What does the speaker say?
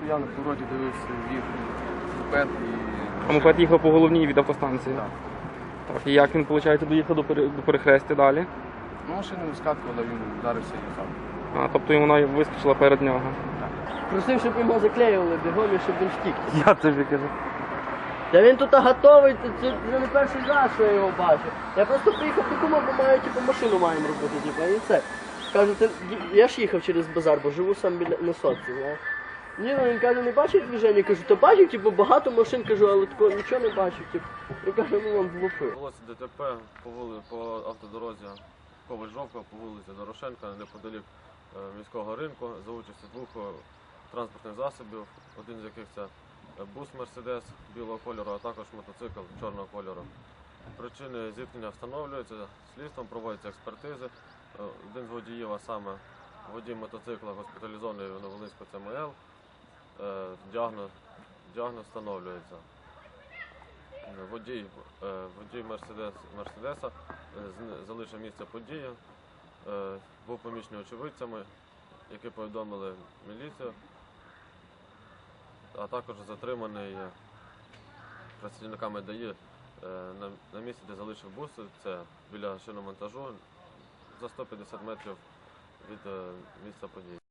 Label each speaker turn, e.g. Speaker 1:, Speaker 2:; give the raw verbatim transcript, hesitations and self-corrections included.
Speaker 1: стояв на повороті, дивився, їх мопед і...
Speaker 2: А мопед їхав по головній від автостанції?
Speaker 1: Так.
Speaker 2: Так, і як він, виходить, доїхав до, пере... до перехрестя далі?
Speaker 1: Ну, машина вискакувала, він вдарився і їхав.
Speaker 2: А, тобто вона вискочила перед нього?
Speaker 3: Просив, щоб його заклеювали бігом і щоб він втік.
Speaker 2: Я тобі кажу.
Speaker 3: Та він тут готовий, це вже не перший раз, що я його бачу. Я просто приїхав подумав, бо маю, типу, машину маємо робити, типу, і це. Кажу, ти, я ж їхав через базар, бо живу сам біля на сотці, знаєш. Ні, ну він каже, не бачив движення, кажу, та бачив, типу, багато машин, кажу, але такого нічого не бачив, типу. Він каже, ну вам влупив.
Speaker 4: Булося ДТП по, вули, по автодорозі Коваль-Жовка, по вулиці Дорошенка, неподалік е, міського ринку, за участю двох е, транспортних засобів, один з яких це бус Мерседес білого кольору, а також мотоцикл чорного кольору. Причини зіткнення встановлюються, слідством проводяться експертизи. Е, один з водіїв, а саме водій мотоцикла, госпіталізований в Новолинську Це Ем Л, е, діагноз, діагноз встановлюється. Водій, водій Мерседес, Мерседеса залишив місце події, був помічений очевидцями, які повідомили міліцію, а також затриманий працівниками Д А І на місці, де залишив бус, це біля шиномонтажу, за сто п'ятдесят метрів від місця події.